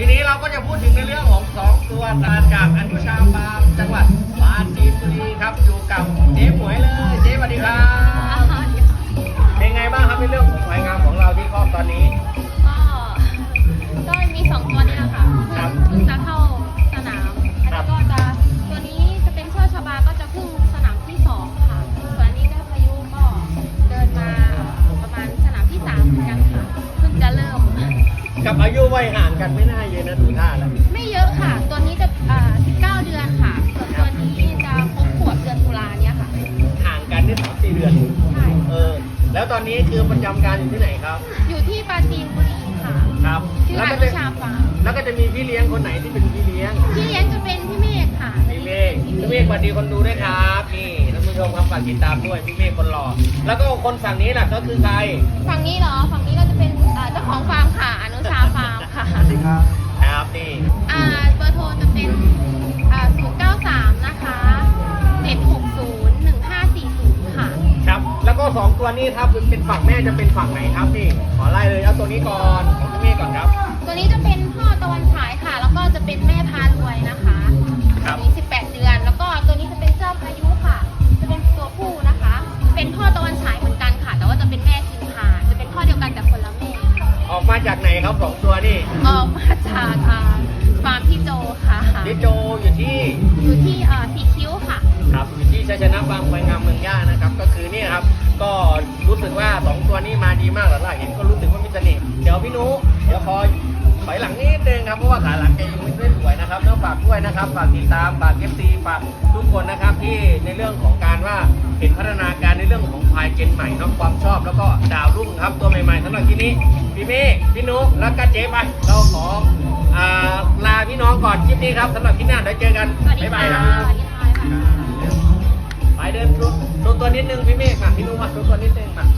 ทีนี้เราก็จะพูดถึงในเรื่องของ2ตัวจากอนุชาฟาร์มจังหวัดปราจีนบุรีครับอยู่กับเจ๊หมวยเลยเจ๊สวัสดีครับเป็นไงบ้างครับในเรื่องของควายงามของเราที่ครอบตอนนี้ก็มี2ตัวนี้แหละค่ะเพิ่งจะเข้าสนามแล้วก็จะตัวนี้จะเป็นเชือกชบาก็จะเพิ่งสนามที่2ค่ะส่วนอันนี้เจ้าพายุก็เดินมาประมาณสนามที่3เหมือนกันค่ะเพิ่งจะเริ่มกับอายุวัยห่างกันไม่น่าเยอะนะดูท่าแล้วไม่เยอะค่ะตัวนี้จะ19 เดือนค่ะส่วนตัวนี้จะครบขวบเดือนตุลาเนี่ยค่ะห่างกันได้3-4 เดือนใช่แล้วตอนนี้คือประจำการอยู่ที่ไหนครับอยู่ที่ปราจีนบุรีค่ะครับชื่ออนุชาฟาร์มแล้วก็จะมีพี่เลี้ยงคนไหนที่เป็นพี่เลี้ยงจะเป็นพี่เมฆค่ะพี่เมฆสวัสดีคนดูด้วยครับนี่ท่านผู้ชมครับฝากติดตามด้วยพี่เมฆคนหล่อแล้วก็คนฝั่งนี้แหละก็คือใครฝั่งนี้เหรอฝั่งนี้ก็จะเป็นเจ้าของฟาร์มค่ะอนุชาฟาร์มค่ะสวัสดีครับครับนี่เบอร์โทรจะเป็น093นะคะ7601540ค่ะครับแล้วก็2ตัวนี้ครับเป็นฝั่งแม่จะเป็นฝั่งไหนครับนี่ขอไล่เลยเอาตัวนี้ก่อนของพี่เมฆก่อนครับตัวนี้จะเป็นพ่อตะวันฉายค่ะแล้วก็จะเป็นแม่พารวยนะคะตัวนี้18 เดือนแล้วก็ตัวนี้จะเป็นเจ้าพายุค่ะจะเป็นตัวผู้นะคะเป็นพ่อตะวันฉายเหมือนกันค่ะแต่ว่าจะเป็นแม่คิงคาจะเป็นพ่อเดียวกันแต่คนละแม่ออกมาจากไหนครับ2ตัวนี่ออกมาจากฟาร์มพี่โจค่ะพี่โจอยู่ที่สีคิ้วค่ะครับอยู่ที่ชัยชนะฟาร์มควายงามเมืองย่านะครับก็คือนี่ครับก็รู้สึกว่า2ตัวนี้มาดีมากหลังๆเห็นก็รู้สึกว่ามีเสน่ห์เดี๋ยวพี่นุเดี๋ยวคอยถอยหลังนิดนึงครับเพราะว่าขาหลังแกยังไม่สวยนะครับแล้วฝากด้วยนะครับฝากติดตามฝากFCฝากทุกคนนะครับที่ในเรื่องของการว่าเห็นพัฒนาการในเรื่องของควายเจนใหม่น้องความชอบแล้วก็ดาวรุ่งครับตัวใหม่ๆสำหรับที่นี้พี่เมฆพี่นุแล้วก็เจ๊ไปเราขอลาพี่น้องก่อนคลิปนี้ครับสำหรับคลิปหน้าเดี๋ยวเจอกันบ๊ายบายครับไปเดินตัวนิดนึงพี่เมฆมาพี่นุมาตัวนิดนึงมา